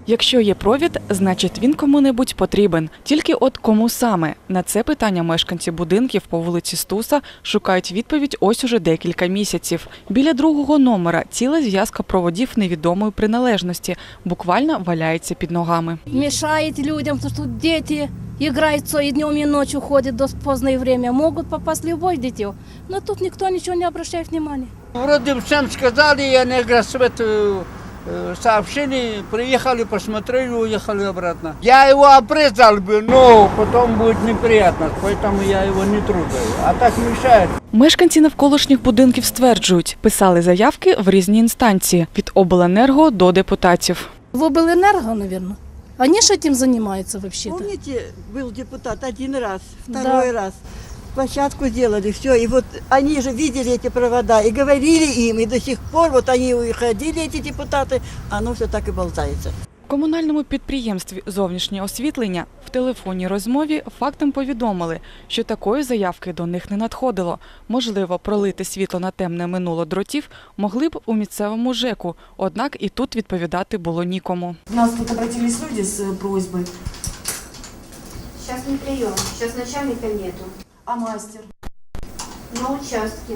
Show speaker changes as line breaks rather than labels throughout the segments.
Якщо є провід, значить він кому-небудь потрібен. Тільки от кому саме? На це питання мешканці будинків по вулиці Стуса шукають відповідь ось уже декілька місяців. Біля другого номера ціла зв'язка проводів невідомої приналежності буквально валяється під ногами.
Мешает людям, потому что дети играются и днем, и ночью ходят до позднее время. Могут попасть любое дитё, но тут никто ничего не обращает внимания.
Вроде всем сказали, и они гроссвет сообщили, приехали, посмотрели, уехали обратно. Я его обрезал бы, но потом будет неприятно, поэтому я его не трогаю. А так мешает.
Мешканці навколишніх будинків стверджують, писали заявки в різні інстанції – від обленерго до депутатів.
В облэнерго, наверное. Они же этим занимаются вообще-то.
Помните, был депутат один раз, второй раз. Площадку сделали, все. И вот они же видели эти провода и говорили им, и до сих пор вот они уходили, эти депутаты, оно все так и болтается.
В комунальному підприємстві «Зовнішнє освітлення» в телефонній розмові фактом повідомили, що такої заявки до них не надходило. Можливо, пролити світло на темне минуло дротів могли б у місцевому ЖЕКу, однак і тут відповідати було нікому.
У нас тут обратились люди с просьбой.
Сейчас не прием, сейчас начальника нету.
А мастер?
На участке.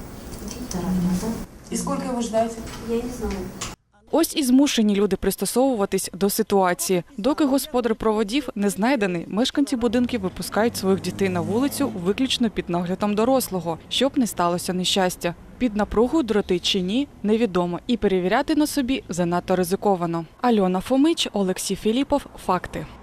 И сколько вы ждаете?
Я не знаю.
Ось і змушені люди пристосовуватись до ситуації. Доки господар проводів не знайдений, мешканці будинків випускають своїх дітей на вулицю виключно під наглядом дорослого, щоб не сталося нещастя. Під напругою дроти чи ні – невідомо. І перевіряти на собі занадто ризиковано. Альона Фомич, Олексій Філіпов. Факти.